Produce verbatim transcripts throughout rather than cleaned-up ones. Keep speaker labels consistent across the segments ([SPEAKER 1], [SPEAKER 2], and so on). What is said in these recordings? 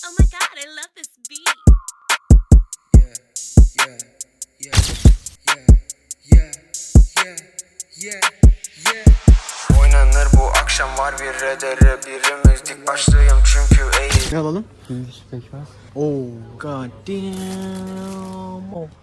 [SPEAKER 1] Oh my god, I love this beat.
[SPEAKER 2] Yeah, yeah, yeah, yeah, yeah, yeah, yeah, yeah. Oynanır bu akşam var bir redere birimiz dik başlıyım çünkü eğil.
[SPEAKER 3] Ne alalım? English pekmez. Oh god damn. Oh.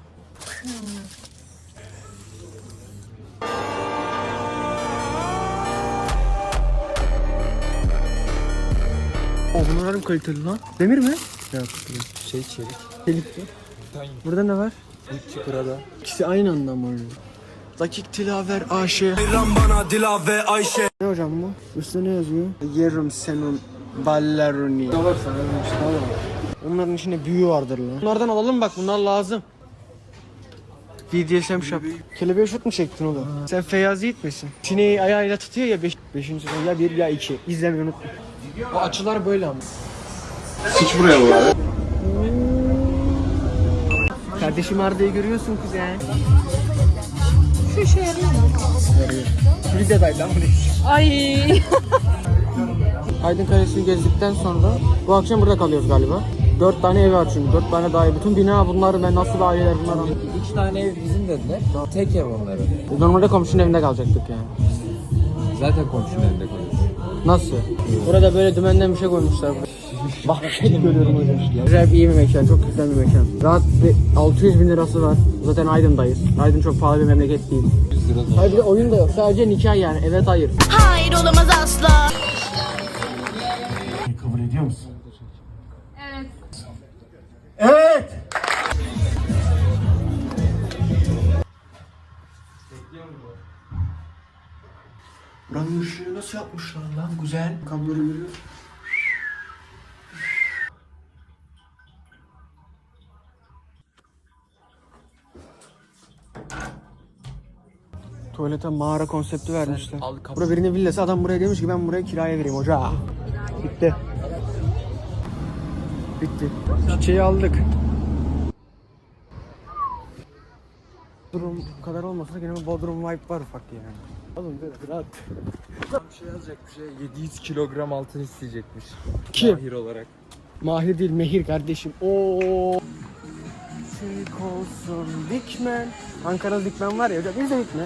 [SPEAKER 3] Oh bunlar kaliteli lan. Demir mi? Yok.
[SPEAKER 4] Şey çelik.
[SPEAKER 3] Çelikli. Burada ne var?
[SPEAKER 4] Üç kırada.
[SPEAKER 3] İkisi aynı anda mı oluyor? Dakik Tilaver Ayşe.
[SPEAKER 4] bana Dilaver Ayşe.
[SPEAKER 3] Ne hocam bu? Üstüne ne yazıyor? Yerim senin balleruni. Ne var sana işte var. Onların içinde büyü vardır lan. Bunlardan alalım bak bunlar lazım. B D S M shop. Kelebeğe şut mu çektin oğlum? Sen Feyyaz Yiğit misin? Sineği ayağıyla tutuyor ya beş, beşinci sezon ya bir ya iki. İzlemeyi unutma. O açılar böyle ama.
[SPEAKER 4] Hiç buraya bu abi.
[SPEAKER 3] Kardeşim Arda'yı görüyorsun kuzen.
[SPEAKER 5] Şu işe yarıyor mu?
[SPEAKER 3] Yarıyor. Videodaydı lan bu.
[SPEAKER 5] Ay.
[SPEAKER 3] Aydın Kalesi'ni gezdikten sonra bu akşam burada kalıyoruz galiba. Dört tane ev var çünkü. Dört tane daha ev. Bütün bina bunlar ve nasıl aileler bunlar.
[SPEAKER 4] Üç tane ev bizim dediler. Tek ev onların.
[SPEAKER 3] Normalde komşunun evinde kalacaktık yani.
[SPEAKER 4] Zaten komşunun evinde kalıyoruz.
[SPEAKER 3] Nasıl? Burada böyle dümenden bir şey koymuşlar. Bahçeli görüyorum hocam. Güzel iyi bir mekan, çok güzel bir mekan. Rahat bir altı yüz bin lirası var. Zaten Aydın'dayız. Aydın çok pahalı bir memleket değil.
[SPEAKER 4] yüz lira da.
[SPEAKER 3] Hayır bir de oyun da yok. Sadece nikah yani. Evet hayır.
[SPEAKER 1] Hayır olamaz asla.
[SPEAKER 3] Kabul ediyor musun?
[SPEAKER 5] Evet.
[SPEAKER 3] Evet. Buranın ışığı nasıl yapmışlar lan güzel. Kabloları görüyor. Tuvalete mağara konsepti vermişler.
[SPEAKER 4] al kapı-
[SPEAKER 3] Burada birinin villası, adam buraya demiş ki ben buraya kiraya vereyim hoca. Bitti. Bitti. Çiçeği aldık. Bodrum kadar olmasa da gene bir Bodrum vibe var ufak yani. Oğlum böyle rahat.
[SPEAKER 4] Bir şey yazacak bir şey. yedi yüz kilogram altın isteyecekmiş.
[SPEAKER 3] Kim?
[SPEAKER 4] Mahir olarak.
[SPEAKER 3] Mahir değil Mehir kardeşim. Oo. Türk olsun Dikmen. Ankara'da Dikmen var ya hocam biz de Dikmen.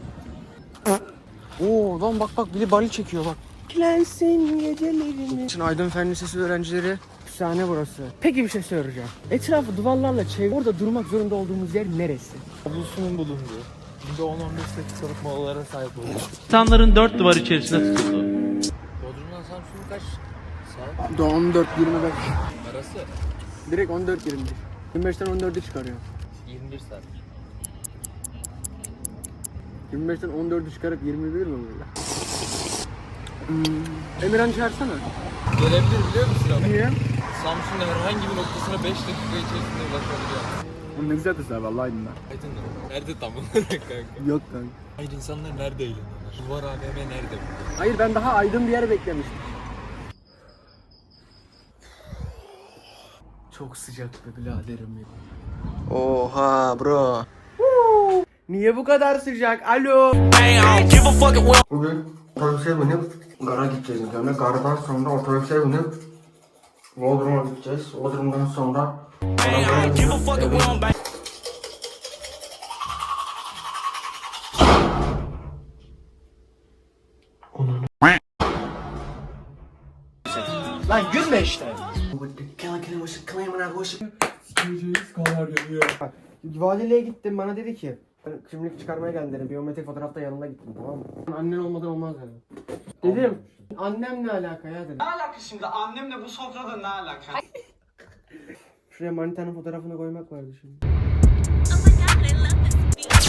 [SPEAKER 3] Oo lan bak bak biri bali çekiyor bak. Kilensin gecelerimi. Için Aydın Fen Lisesi öğrencileri efsane burası. Peki bir şey soracağım. Etrafı duvarlarla çevir. Orada durmak zorunda olduğumuz yer neresi?
[SPEAKER 4] Avlusunun bulunduğu. Günde on on beş dakikalık molalara sahip oluyor.
[SPEAKER 6] İnsanların dört duvar içerisinde tutuldu.
[SPEAKER 4] Bodrum'dan Samsun'a kaç saat
[SPEAKER 3] on dört yirmi beş.
[SPEAKER 4] arası?
[SPEAKER 3] Direkt on dört yirmi beş. yirmi beşten on dördü çıkarıyor.
[SPEAKER 4] yirmi bir saat.
[SPEAKER 3] yirmi beşten on dördü çıkarıp yirmi bir mi böyle? Hmm. Emirhan çağırsana.
[SPEAKER 4] Gelebilir biliyor musun abi?
[SPEAKER 3] Niye?
[SPEAKER 4] Samsun'un herhangi bir noktasına beş dakika içerisinde ulaşabiliyor.
[SPEAKER 3] Bu ne güzel kızlar vallahi Aydın'da.
[SPEAKER 4] Aydın'da. Nerede tam olarak kanka?
[SPEAKER 3] Yok kanka.
[SPEAKER 4] Hayır insanlar nerede eğleniyorlar? Duvar A V M nerede?
[SPEAKER 3] Hayır ben daha aydın bir yer beklemiştim. Çok sıcak be biraderim ya. Oha bro. Niye bu kadar sıcak? Alo. Bugün otobüse binip gara gideceğiz. Yani gardan sonra otobüse binip Bodrum'a gideceğiz. Bodrum'dan sonra lan gülme işte. Bak, valiliğe gittim bana dedi ki kimlik çıkarmaya geldim dedim. Biyometrik fotoğrafta yanında gittim tamam mı? Annen olmadan olmaz dedim. Dedim annem ne alaka ya dedim.
[SPEAKER 7] Ne alaka şimdi? Annemle bu sofrada ne alaka?
[SPEAKER 3] Şuraya manitanın fotoğrafını koymak vardı şimdi.
[SPEAKER 1] Oh my god, I love this beat.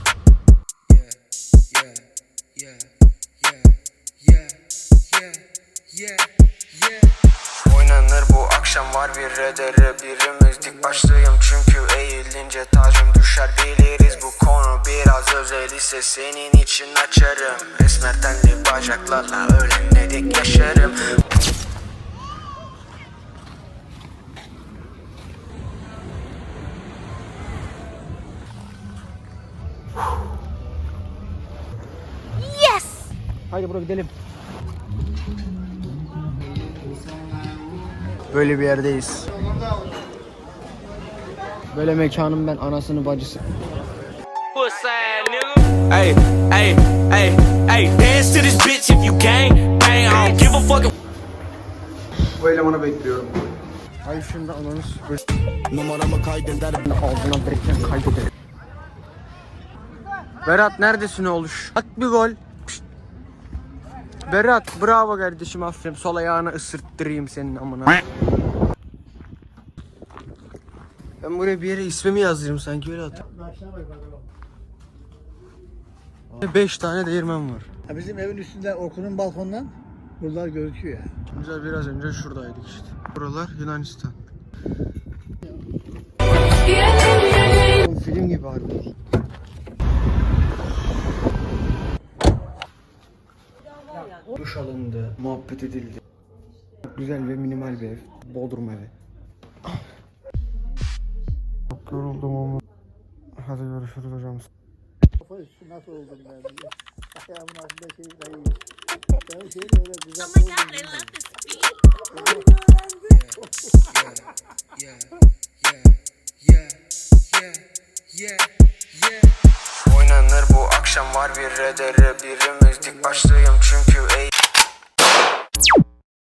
[SPEAKER 2] Yeah, yeah, yeah, yeah, yeah, yeah, yeah. Oynanır bu akşam var bir redere birimiz dik başlıyım çünkü eğilince tacım düşer biliriz bu konu biraz özel ise senin için açarım resmer tenli bacaklarla öyle dik yaşarım.
[SPEAKER 1] Yes!
[SPEAKER 3] Haydi bro gidelim. Böyle bir yerdeyiz. Böyle mekanın ben anasını bacısı.
[SPEAKER 8] Hey, hey, hey, hey, dance to this bitch if you gang, bang, I don't give a fuck.
[SPEAKER 3] Bu elemanı bekliyorum. Ay şimdi ananı süpür. Numaramı kaydeder. Ağzına direkten kaydeder. Berat neredesin oluş? At bir gol. Pişt. Berat bravo kardeşim, aferin. Sol ayağını ısırttırayım senin amına. Ben buraya bir yere ismimi yazdırayım sanki, öyle at. Beş tane değirmen var.
[SPEAKER 9] Ha, bizim evin üstünde Orkun'un balkonundan buralar gözüküyor ya.
[SPEAKER 3] Güzel, biraz önce şuradaydık işte. Buralar Yunanistan. Film gibi harbi. Duş alındı, muhabbet edildi. Güzel ve minimal bir ev. Bodrum evi. Çok yoruldum ama. Hadi görüşürüz hocam.
[SPEAKER 9] Kafa üstü nasıl oldum ben diye. Ayağımın altında şey dayıyor. Ben şeyin öyle güzel
[SPEAKER 1] Oh my god, I love this beat.
[SPEAKER 2] Yeah, yeah, yeah, yeah, yeah. Oynanır bu akşam, var bir redere birimiz dik başlıyım çünkü ey